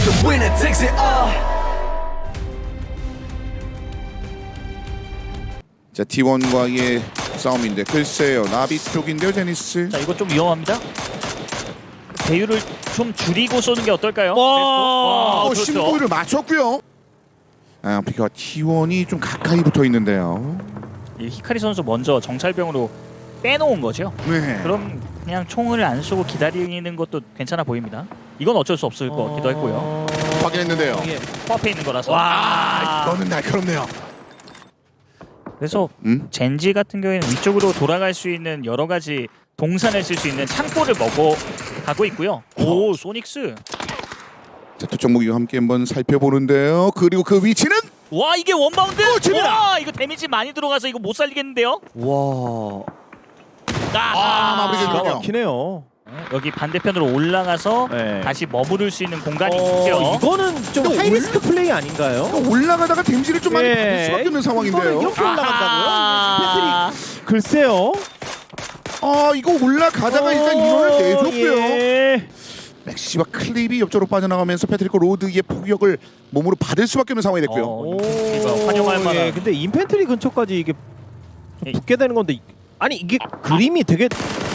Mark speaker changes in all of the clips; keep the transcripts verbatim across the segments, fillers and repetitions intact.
Speaker 1: The winner takes it all.
Speaker 2: 자 티원과의 싸움인데 글쎄요 나비 쪽인데요 제니스.
Speaker 3: 자 이거 좀 위험합니다. 배율을 좀 줄이고 쏘는 게 어떨까요?
Speaker 2: 와,
Speaker 3: 와,
Speaker 2: 어,
Speaker 3: 그렇죠.
Speaker 2: 신부를 맞췄고요. 아 피카 티원이 좀 가까이 붙어 있는데요.
Speaker 3: 이 히카리 선수 먼저 정찰병으로 빼놓은 거죠.
Speaker 2: 네.
Speaker 3: 그럼 그냥 총을 안 쏘고 기다리는 것도 괜찮아 보입니다. 이건 어쩔 수 없을 것 같기도 했고요.
Speaker 2: 확인했는데요.
Speaker 3: 이게 코앞에 있는 거라서.
Speaker 2: 와, 이거는 날카롭네요.
Speaker 3: 그래서
Speaker 2: 음?
Speaker 3: 젠지 같은 경우에는 위쪽으로 돌아갈 수 있는 여러 가지 동산을 쓸 수 있는 창고를 먹어 가고 있고요. 오, 소닉스.
Speaker 2: 자 투척 무기와 함께 한번 살펴보는데요. 그리고 그 위치는
Speaker 3: 와, 이게 원바운드.
Speaker 2: 오, 집이다.
Speaker 3: 와, 이거 데미지 많이 들어가서 이거 못 살리겠는데요.
Speaker 4: 와.
Speaker 2: 아, 마무리가
Speaker 4: 기가
Speaker 2: 되군요.
Speaker 4: 막히네요.
Speaker 3: 여기 반대편으로 올라가서
Speaker 4: 네.
Speaker 3: 다시 머무를 수 있는 공간이
Speaker 4: 어,
Speaker 3: 있죠.
Speaker 4: 이거는 좀 하이리스크 플레이 아닌가요?
Speaker 2: 또 올라가다가 데미지를 좀 많이
Speaker 4: 예.
Speaker 2: 받을 수밖에 없는 상황인데요.
Speaker 4: 이거는 이렇게 올라간다고요?
Speaker 3: 아하.
Speaker 4: 패트릭 글쎄요.
Speaker 2: 아 이거 올라가다가 일단
Speaker 4: 어,
Speaker 2: 인원을 내줬고요.
Speaker 4: 예.
Speaker 2: 맥시와 클립이 옆쪽으로 빠져나가면서 패트리코 로드의 포격을 몸으로 받을 수밖에 없는 상황이 됐고요.
Speaker 3: 어, 이거 활용할 만한.
Speaker 4: 예, 근데 인펜트리 근처까지 이게 좀
Speaker 3: 예.
Speaker 4: 붙게 되는 건데 아니 이게 그림이 되게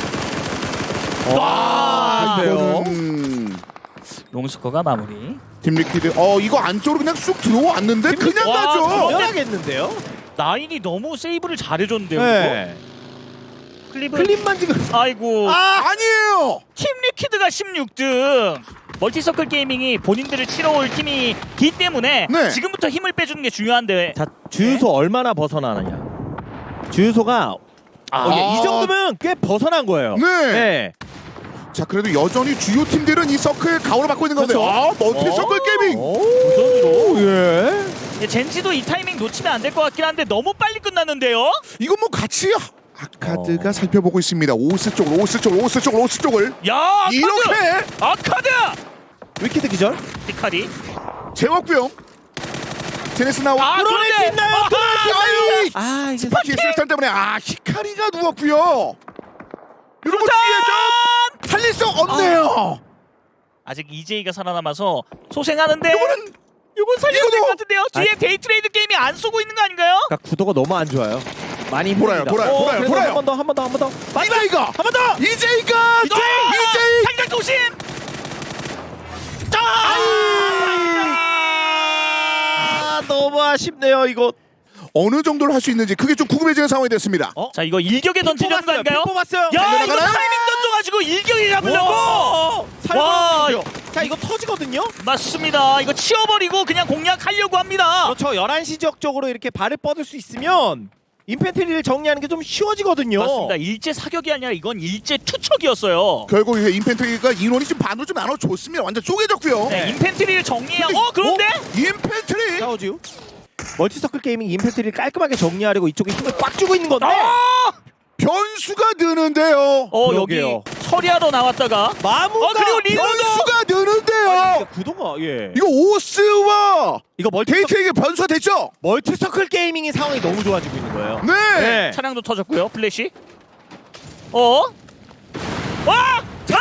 Speaker 3: 와,
Speaker 4: 이거요?
Speaker 2: 이거는
Speaker 3: 롱스커가 마무리.
Speaker 2: 팀리퀴드 어 이거 안쪽으로 그냥 쑥 들어왔는데 그냥
Speaker 3: 와,
Speaker 2: 가죠.
Speaker 4: 당연하겠는데요?
Speaker 3: 나인이 너무 세이브를 잘해줬는데요.
Speaker 4: 네.
Speaker 3: 클립은
Speaker 4: 클립만 지금
Speaker 3: 아이고.
Speaker 2: 아 아니에요.
Speaker 3: 팀 리퀴드가 십육 등. 멀티서클 게이밍이 본인들을 치러올 팀이기 때문에
Speaker 2: 네.
Speaker 3: 지금부터 힘을 빼주는 게 중요한데.
Speaker 4: 자 주유소
Speaker 3: 네.
Speaker 4: 얼마나 벗어나느냐. 주유소가
Speaker 3: 아,
Speaker 4: 어, 예, 이 정도면 꽤 벗어난 거예요.
Speaker 2: 네.
Speaker 4: 네.
Speaker 2: 자 그래도 여전히 주요 팀들은 이 서클 가오를 맡고 있는 건데
Speaker 4: 그렇죠.
Speaker 2: 아 멀티
Speaker 3: 어?
Speaker 2: 서클 게이밍.
Speaker 4: 오, 예.
Speaker 3: 예, 젠지도 이 타이밍 놓치면 안 될 것 같긴 한데 너무 빨리 끝났는데요.
Speaker 2: 이거 뭐 같이 아카드가
Speaker 4: 어.
Speaker 2: 살펴보고 있습니다. 오스 쪽으로 오스 쪽으로 오스 쪽으로 오스 쪽을
Speaker 3: 야, 아카드!
Speaker 2: 이렇게
Speaker 3: 아카드!
Speaker 4: 위키드 기절.
Speaker 3: 히카리.
Speaker 2: 재웠고요. 제네스 나오고
Speaker 3: 아,
Speaker 4: 뚫어낼 수
Speaker 3: 그런데!
Speaker 4: 있나요?
Speaker 3: 아하!
Speaker 4: 뚫어낼 수 있나요?
Speaker 2: 아이
Speaker 4: 아 이제
Speaker 2: 스파키 스탄 때문에 아 히카리가 누웠고요. 이런 거 뒤에 좀 살릴 수 없네요.
Speaker 3: 아직 이제이가 살아남아서 소생하는데
Speaker 2: 이거는
Speaker 3: 이건 살려야 될
Speaker 2: 이거도-
Speaker 3: 것 같은데요. 뒤에
Speaker 4: 아.
Speaker 3: 데이트레이드 게임이 안 쏘고 있는 거 아닌가요?
Speaker 4: 그러니까 구도가 너무 안 좋아요. 많이
Speaker 2: 돌아요,
Speaker 4: 힘듭니다.
Speaker 2: 돌아요,
Speaker 4: 어,
Speaker 2: 돌아요,
Speaker 4: 그래도
Speaker 2: 돌아요.
Speaker 4: 한 번 더, 한 번 더, 한 번 더.
Speaker 2: 이제이가
Speaker 4: 한 번 더.
Speaker 2: 이제이가 이제이
Speaker 3: 당장 도심!
Speaker 4: 아 너무 아쉽네요 이거.
Speaker 2: 어느 정도를 할 수 있는지 그게 좀 궁금해지는 상황이 됐습니다.
Speaker 3: 어? 자, 이거 일격에 던지려는 거 아닌가요?
Speaker 4: 뽑았어요.
Speaker 3: 야, 이거
Speaker 2: 달려나가나요?
Speaker 3: 타이밍 던져가지고 일격에 잡으려고! 와.
Speaker 4: 살벌하죠. 자 이거 터지거든요.
Speaker 3: 맞습니다. 이거 치워버리고 그냥 공략하려고 합니다.
Speaker 4: 그렇죠. 열한 시 지역 쪽으로 이렇게 발을 뻗을 수 있으면 인펜트리를 정리하는 게 좀 쉬워지거든요.
Speaker 3: 맞습니다. 일제 사격이 아니라 이건 일제 투척이었어요.
Speaker 2: 결국 이게 인펜트리가 인원이 좀 반으로 좀 나눠줬습니다. 완전 쪼개졌고요.
Speaker 3: 네, 인펜트리를 정리해야.
Speaker 2: 근데-
Speaker 3: 어, 그런데?
Speaker 2: 인펜트리
Speaker 4: 싸우지요. 멀티서클 게이밍 인펜트리를 깔끔하게 정리하려고 이쪽에 힘을 꽉 주고 있는 건데
Speaker 3: 아!
Speaker 2: 변수가 느는데요.
Speaker 3: 어,
Speaker 4: 그러게요.
Speaker 3: 여기 처리하러 나왔다가
Speaker 4: 마무가
Speaker 3: 어, 그리고 리더도!
Speaker 2: 변수가 느는데요.
Speaker 4: 그러니까 구도가 예.
Speaker 2: 이거 오스와
Speaker 4: 이거 멀티
Speaker 2: 데이트에게 변수가 됐죠?
Speaker 4: 멀티서클 게이밍의 상황이 너무 좋아지고 있는 거예요.
Speaker 2: 네.
Speaker 3: 차량도 터졌고요. 플래시. 어? 와! 자!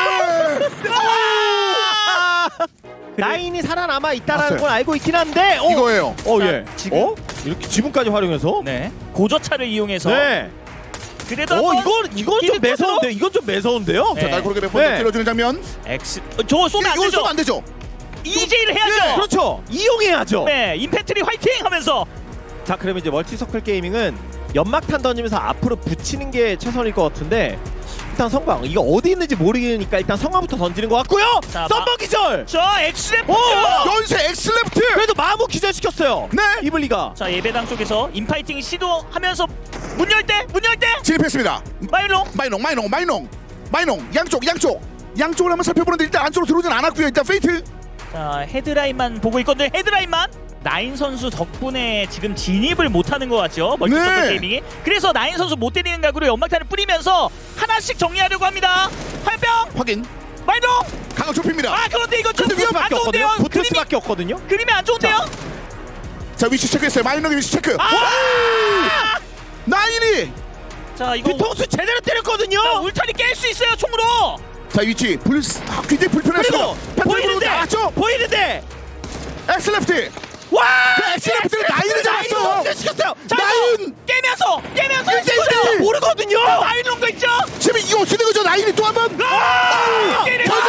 Speaker 4: 나인이 살아남아 있다라는
Speaker 2: 봤어요.
Speaker 4: 걸 알고 있긴 한데 어,
Speaker 2: 이거예요.
Speaker 4: 어
Speaker 3: 자,
Speaker 4: 예.
Speaker 3: 지금-
Speaker 4: 어? 이렇게 지붕까지 활용해서
Speaker 3: 네. 고저차를 이용해서
Speaker 4: 네.
Speaker 3: 그래도
Speaker 4: 어
Speaker 3: 한번
Speaker 4: 이건 이건 좀
Speaker 3: 이득
Speaker 4: 매서운데 이건 좀 매서운데요.
Speaker 3: 네.
Speaker 2: 자 날고르게 몇 번 더
Speaker 4: 네.
Speaker 2: 때려주는 장면.
Speaker 3: X 어, 저거 쏘면 안
Speaker 2: 이거
Speaker 3: 되죠.
Speaker 2: 쏘면 안 되죠.
Speaker 3: 이제이를 해야죠.
Speaker 4: 그렇죠. 이용해야죠.
Speaker 3: 네, 인펜트리 화이팅 하면서
Speaker 4: 자 그러면 이제 멀티서클 게이밍은 연막탄 던지면서 앞으로 붙이는 게 최선일 것 같은데 일단 성광 이거 어디 있는지 모르니까 일단 성광부터 던지는 것 같고요.
Speaker 3: 자,
Speaker 4: 썸머 기절.
Speaker 3: 저 엑스레프.
Speaker 4: 오!
Speaker 2: 연쇄 엑스레프트.
Speaker 4: 그래도 마무 기절시켰어요.
Speaker 2: 네.
Speaker 4: 이블리가.
Speaker 3: 자, 예배당 쪽에서 인파이팅 시도하면서 문 열 때, 문 열 때
Speaker 2: 진입했습니다.
Speaker 3: 마일로.
Speaker 2: 마이농 마이농 마이농 마이농 양쪽 양쪽 양쪽을 한번 살펴보는데 일단 안쪽으로 들어오진 않았고요. 일단 페이트.
Speaker 3: 자, 헤드라인만 보고 있건데 헤드라인만. 나인 선수 덕분에 지금 진입을 못하는 것 같죠. 멀티서클
Speaker 2: 네.
Speaker 3: 게이밍이. 그래서 나인 선수 못 때리는 각으로 연막탄을 뿌리면서 하나씩 정리하려고 합니다. 화염병
Speaker 2: 확인.
Speaker 3: 마일로.
Speaker 2: 강화 좁힙니다.
Speaker 3: 아, 그런데 이거 좀
Speaker 4: 붙을
Speaker 3: 안
Speaker 4: 수밖에
Speaker 3: 좋은데요.
Speaker 4: 없거든요. 붙을
Speaker 3: 그림이,
Speaker 4: 수밖에 없거든요.
Speaker 3: 그림이 안 좋은데요.
Speaker 2: 자 위치 체크했어요. 마이농의 위치 체크.
Speaker 3: 아!
Speaker 2: 나인이.
Speaker 3: 자, 이거
Speaker 4: 뒤통수 제대로 때렸거든요.
Speaker 3: 자, 울타리 깰 수 있어요 총으로.
Speaker 2: 자 위치 불 아, 굉장히 불편하시고
Speaker 3: 그리고 보이는데
Speaker 2: 나왔죠?
Speaker 4: 보이는데
Speaker 2: 엑스레프트.
Speaker 4: 와
Speaker 2: 그 엑스레프트를 나인을 잡았어요.
Speaker 4: 시켰어요. 자
Speaker 2: 나인.
Speaker 3: 깨면서 깨면서
Speaker 2: 일 대 일.
Speaker 3: 있어요.
Speaker 4: 모르거든요.
Speaker 3: 나인 롱도 있죠.
Speaker 2: 지금 이거 어떻게 된 거죠? 나인이 또 한 번.
Speaker 3: 아!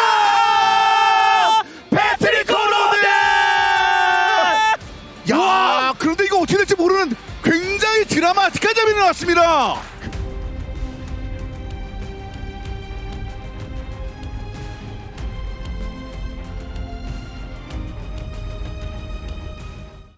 Speaker 2: 가자.
Speaker 4: 패트릭 코로드.
Speaker 2: 야, 그런데 이거 어떻게 될지 모르는 굉장히 드라마틱한 장면이 나왔습니다.